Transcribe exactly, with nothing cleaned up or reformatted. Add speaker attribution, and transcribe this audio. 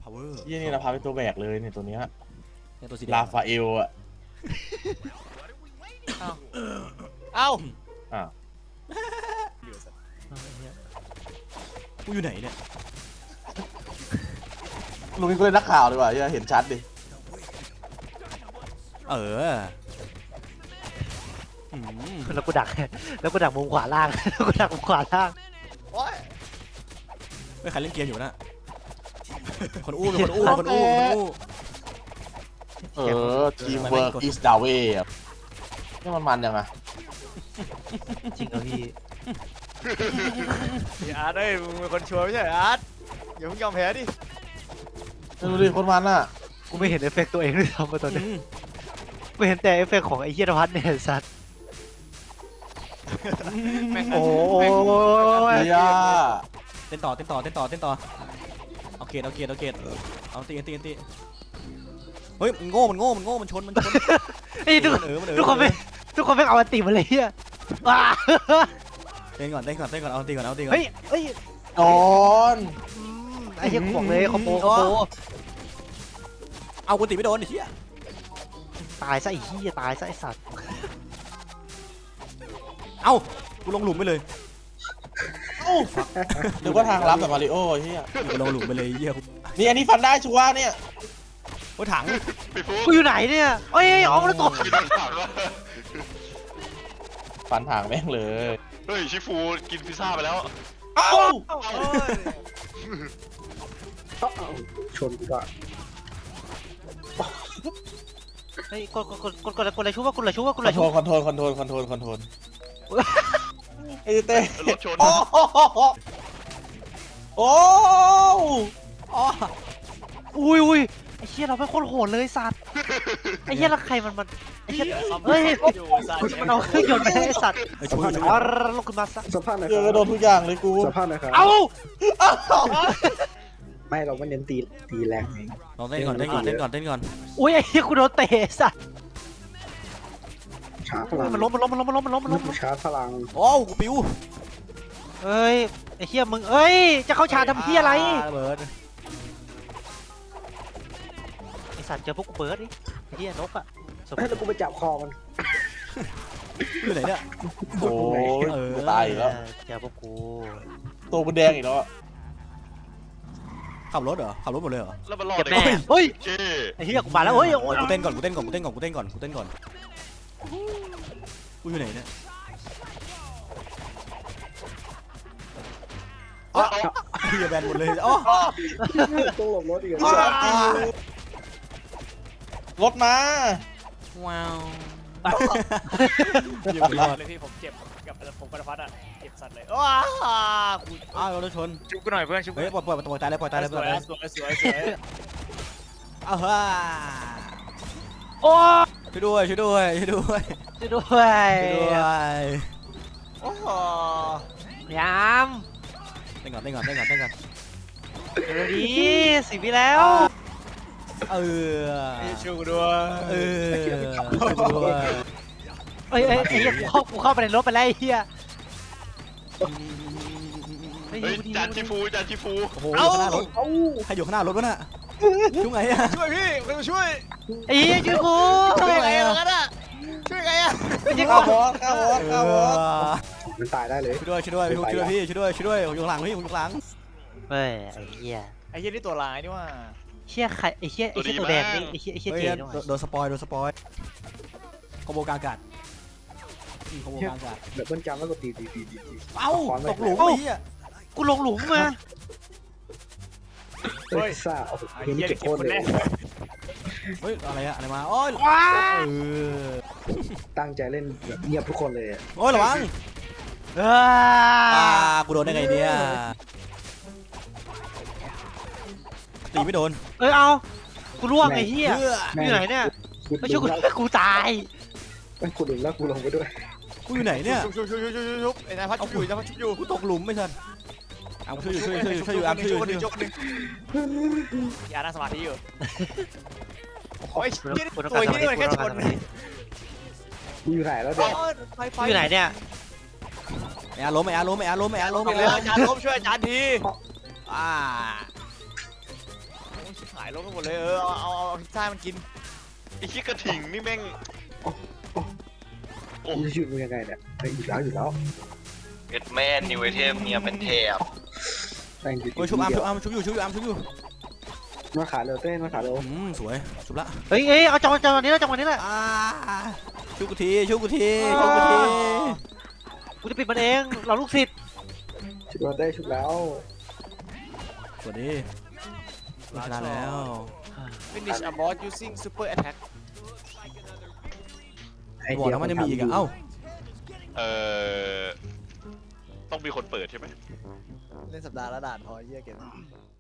Speaker 1: power
Speaker 2: ยี่นี่นะพาเป็นตัวแบกเลยเนี่ยตัวเนี้ย
Speaker 1: เนี่ยตัวสีแดง
Speaker 2: ลาฟาเอลอะ
Speaker 3: เอ้า
Speaker 2: อ้าว
Speaker 1: กูอยู่ไหนเนี่ย
Speaker 2: ลุงนี่ก็เลยนักข่าวดีกว่าเห็นชัดดิ
Speaker 1: เออ
Speaker 4: แล้วกูดักแล้วกูดักมุมขวาล่างแล้วกูดักมุมขวาล่าง
Speaker 3: โอ้ย
Speaker 1: ไม่ใครเล่นเกมอยู่นะคนอู้เป็นคนอู้คนอู้คนอู้
Speaker 2: เออทีมเวิร์กอิสดาเวย์นี่มันมันยังไง
Speaker 4: จริงเหรอพี่
Speaker 3: พี่อาร์ตเอ้ยมึงเป็นคนชัวร์ไม่ใช่เหรออาร์ตอย่าเพิ่งยอมแพ้ดิ
Speaker 2: ดูดิคนมันอะ
Speaker 4: กูไม่เห็นเอฟเฟกต์ตัวเองด้วยซ้ำมาตอนนี้กูเห็นแต่เอฟเฟกต์ของไอ้เฮียนภัสเนี่ยสัตว์
Speaker 3: แม่ง
Speaker 4: โอ้ย
Speaker 2: เฮีย
Speaker 1: เต้นต่อเต้นต่อเต้นต่อเต้นต่อเอาเกตเอาเกตเอาเกตเอาตีตีตีเฮ้ยมันโง่มันโง่มันโง่มันชนมันชน
Speaker 4: ไอ้ทุก
Speaker 1: เออมันเออ
Speaker 4: ทุกคนไม่ทุกคนไม่เอาอันติมาเลยเฮียว้า
Speaker 1: เต้นก่อนเต้นก่อนเต้นก่อนเอาตีก่อนเอาตีก่อน
Speaker 4: เฮ้ยเฮ้ย
Speaker 2: โดน
Speaker 4: อืมไอ้เฮียกูบอกเลยคอมโบคอมโบ
Speaker 1: เอากูตีไม่โดนไอ้เหี้ย
Speaker 4: ตายซะไอ้เฮียตายซะไอ้สัตว์
Speaker 1: เอ้ากูลงหลุมไปเลย
Speaker 2: นึกว่าทางลับแบบมาริโอ้เฮีย
Speaker 1: กูลงหลุมไปเลยเหี้ย
Speaker 2: นี่อันนี้ฟันได้ชัวร์เนี่ย
Speaker 1: โอ้ยถัง
Speaker 4: กูอยู่ไหนเนี่ยเอ้ยออกมาแล้วตัว
Speaker 5: กินโดนถามว่า
Speaker 2: ฟันทางแม่งเลย
Speaker 5: เฮ้ยชิฟูกินพิซซ่าไปแล้ว
Speaker 2: เอ้า
Speaker 6: ชนกูก็
Speaker 4: เฮ้ยกดกดกดกดกดกดอะไรชูว่ากดอะไรชูว่ากด
Speaker 2: ค
Speaker 4: อะ
Speaker 2: อ
Speaker 4: ไร
Speaker 2: นโท
Speaker 4: ชู
Speaker 2: รลคอนโทรลคอนโทรลคอนโทรลคอนโทรลไอ้เต้
Speaker 5: รถชน
Speaker 2: โอ้โหโอ้
Speaker 1: อ๋อ
Speaker 4: อุ้ยอุ้ยไอ้เฮียเราเป็นคนโหดเลยสัตว์ไอ้เฮียแล้วใครมันมันไอ้เฮียเฮ้ย
Speaker 3: อยู่ซาเช
Speaker 4: มันเอาเครื่องยนต์ไปให้ไอ้สัตว์
Speaker 1: ไอ้ช่วยช่วย
Speaker 4: อ๋อลุกขึ้นมาซะ
Speaker 6: สัมภาษณ์หน่อย
Speaker 2: เจ
Speaker 6: ค
Speaker 2: อ
Speaker 6: รับ
Speaker 2: โดนทุกอย่างเลยกู
Speaker 6: สัมภาษณ์หน่อยครับ
Speaker 4: เอ้า
Speaker 6: ไม่เราไม่เน้นตีตีแรงไง
Speaker 1: ลองเต้นก่อนเต้นก่อนเต้นก่อนเต้นก่อน
Speaker 4: อุ้ยไอ้เฮียกูโดนเตะสัตว์
Speaker 6: ชาร์จพลัง
Speaker 4: มันล้มมันล้มมันล้มมันล้มมันล้มมันล้ม
Speaker 6: ชาร์จพลัง
Speaker 1: โอ้กูปิว
Speaker 4: เอ้ยไอ้เฮียมึงเอ้ยจะเข้าชาร์จทำเฮียอะไร
Speaker 1: ระเบิด
Speaker 4: ไอ้สัตว์เจอพวกกูเบิร์ดดิไอ้เฮียนกอะสมม
Speaker 6: เฮ้ย
Speaker 4: ติ
Speaker 6: แล้วกูไปจับคอมัน
Speaker 1: อยู่ไหนเนี่ย
Speaker 2: โอ้ย
Speaker 1: เออ
Speaker 2: จะตายอีกแล้ว
Speaker 4: เจอพวกกู
Speaker 2: ตัวมันแดงอีกแล้วอะ
Speaker 1: ขับรถเหรอขับรถหมดเลยเหรอ
Speaker 5: แล้วมันรอด
Speaker 4: เก็บ
Speaker 5: ได้
Speaker 4: แน่
Speaker 5: ไง
Speaker 4: เฮ้ย
Speaker 5: เจ้
Speaker 4: ไอ้เฮียกูมาแล้วเฮ้ยโอ้ย
Speaker 1: กูเต้นก่อนกูเต้นก่อนกูเต้นก่อนกูเต้นก่อนกูเต้นก่อนกูเต้นก่อนกูอยู่ไหนเนี่ยอ๋อเฮียแบนหมดเลยอ๋อ
Speaker 6: ต้องหลบรถอีก
Speaker 2: รถมา
Speaker 1: ว้าว
Speaker 3: เจ็บเลยพี่ผมเจ็บกับผมกระพัดอ่ะเจ็บสัตว์เลยว้ากู
Speaker 1: อ้าวรถชน
Speaker 3: ชุบกูหน่อยเพื่อนชุบกู
Speaker 1: เฮ้ยปล่อยปล่อยปล่อยตายเลยปล่อยตายเลย
Speaker 3: ส
Speaker 1: ปล่อ
Speaker 3: วย ย
Speaker 1: ตายเลย
Speaker 3: สวยสวยสวย
Speaker 1: อ้าวฮ่า
Speaker 4: โอ้ย
Speaker 1: ช่วยด้วยช่วยด้วยช่วยด้วย
Speaker 4: ช่วยด้วย
Speaker 1: ช่วยด้วย
Speaker 3: โอ้โห
Speaker 4: ยาม
Speaker 1: เต้นก่อนเต้นก่อนเต้นก่อนเต้นก่อน
Speaker 4: เดี๋ยวดีสิบวิแล้ว
Speaker 1: เออ
Speaker 3: ช่วยกูด้วย
Speaker 1: เออช่วยด้วย
Speaker 4: เอ้ยเอ้ยไอ้เหี้ยกูเข้ากูเข้าไปในรถไปแล้วไอ้เหี้ย
Speaker 5: เฮ้ยจานชิฟูจานชิฟู
Speaker 1: โอ้โหอยู่ข้างหน้ารถใครอยู่ข้างหน้ารถวะน่ะยุ่งไงอะ
Speaker 3: ช่วยพี่ใครมาช่วย
Speaker 4: ไอ้เหี้ยช่วยกู
Speaker 3: ช่วยไงอะกันอะช่วยไงอะ
Speaker 4: ไม่ใช่
Speaker 2: ข้า
Speaker 4: กู
Speaker 2: วบอสข้าวบอส
Speaker 1: เอ
Speaker 2: ข้าวบอส
Speaker 1: อ
Speaker 6: มันตายได้เลย
Speaker 1: ช่วยด้วยช่วยด้วยพี่ช่วยด้วยพี่ช่วยด้วยช่วยด้วยผมอยู่ข้างหลังพี่ผมอยู่ข้างหลัง
Speaker 4: เฮ้ยไอ้เหี้ย
Speaker 3: ไอ้เหี้ยนี่ตัวร้ายนี่ว่า
Speaker 4: เหี้ยใครไอ้เหี้ยไอ้เหี้ยตัวแดงนี่ไอ้เหี้ยไอ้เหี้ย
Speaker 1: เฮ้ย
Speaker 4: เจด้วย
Speaker 1: โดนสปอยโดนสปอยคอมโบกลางอากาศคอมโบกลางอากาศ
Speaker 6: เดี๋ยวเบิ้ลจำแล้วก็ตีตีตีตีตี
Speaker 1: เอ้าตกหลุมไอ้เหี้ย
Speaker 4: กูลงหลุมมา
Speaker 6: เฮ้ยซ่าโอ้โห
Speaker 3: ไอ้
Speaker 6: เกม
Speaker 3: เหี้
Speaker 6: นี้
Speaker 3: ย
Speaker 6: เก็บ
Speaker 3: เก็บ
Speaker 6: โคตร
Speaker 3: คน
Speaker 6: เล
Speaker 3: แร
Speaker 6: ย
Speaker 3: ก
Speaker 1: เฮ้ยอะไรอะอะไรมาโอ้ย
Speaker 4: ว้า
Speaker 1: เออ
Speaker 6: ตั้งใจเล่นแบบเงียบทุกคนเลย
Speaker 1: โอ้ยระวัง
Speaker 4: เอ
Speaker 1: อ่า
Speaker 4: อ
Speaker 1: กูโดนได้ไงเนี่ยตีไม่โดน
Speaker 4: เอ้ยเอากูล่วงไอ้เหี้ย
Speaker 1: เพื่อ
Speaker 4: อยู่ไหนเนี่ย
Speaker 6: กู
Speaker 4: ไม่ช่วยกู
Speaker 6: แล้ว
Speaker 4: กูตาย
Speaker 6: กูดึงแล้วกูลงไปด้วย
Speaker 1: กูอยู่ไหนเนี่ย
Speaker 3: ชุบชุบชุบชุบชุบชุบไอ้นายพัดชุบอยู่นายพัดชุบอยู่
Speaker 1: กูตกหลุมไม่ทันอ่ะช่วยอยู่ช่วยอยู่ช่วยอยู่ช่วยอยู่อ่ะช่วยอยู่
Speaker 3: คน
Speaker 1: ช่วย
Speaker 3: ห
Speaker 1: อ
Speaker 3: นึ่ง
Speaker 1: ยู่
Speaker 3: คนหนึ่งอย่านั่งสมาธิอยู่โอ้ย
Speaker 4: กู
Speaker 3: เหี้ย
Speaker 4: กูต้อง
Speaker 3: ตัว
Speaker 4: การ
Speaker 3: ที่นี่มันแค่ชน
Speaker 6: กูอยู่ไหนแล้ว
Speaker 3: อ๋
Speaker 6: เดี๋
Speaker 3: อ
Speaker 6: ยว
Speaker 3: ไฟไฟ
Speaker 4: อยู่ไหนเนี่ย
Speaker 1: ไอ้อาล้มไอ้อาล้มไอ้อาล้มไอ้อาล้ม
Speaker 3: ช่วย
Speaker 1: ไอ้อา
Speaker 3: อาจารย์ล้มช่วยอาจารย์ที
Speaker 1: อ่า
Speaker 3: หายลงกันหมดเลยเออเอาเอาเอาพิซซ่ามันกิน
Speaker 5: ไอ้ขี้กระถิ่งนี่แม่ง
Speaker 6: กูจะหยุดมึงยังไงเนี่ยไอ้ยอยู่แล้วอยู่แล้ว
Speaker 7: เอ็ดแม่นิวไอเทมเนี่ยเป็นเทป
Speaker 6: แม่งอยู่
Speaker 1: โอ้ยชุบอาร์มชุบอาร์มชุบอยู่ชุบอยู่อาร์มชุบอยู่
Speaker 6: มาขาเร็วเต้นมาขาเร็ว
Speaker 1: อืมสวยชุบละ
Speaker 4: เฮ้ยเอ้ยเอาจังหวะจังหวะนี้แล้วจังหวะนี้แหละ
Speaker 1: อ่าชุบกูทีชุบกูทีชุบกูที
Speaker 4: กูจะปิดมันเองเราลูกศิษย์
Speaker 6: ชุบแล้วเต้ชุบแล้ว
Speaker 1: สวัสดีชนะแล้ว
Speaker 3: finish a boss using super attack
Speaker 6: ไอ
Speaker 1: บอก
Speaker 6: เดีย
Speaker 1: แล้วมันจะมีอีกอะเอ้า
Speaker 5: เอ่อต้องมีคนเปิดใช่ไหม
Speaker 3: เล่นสัปดาห์ละด่านพอเยี่ยเก็บ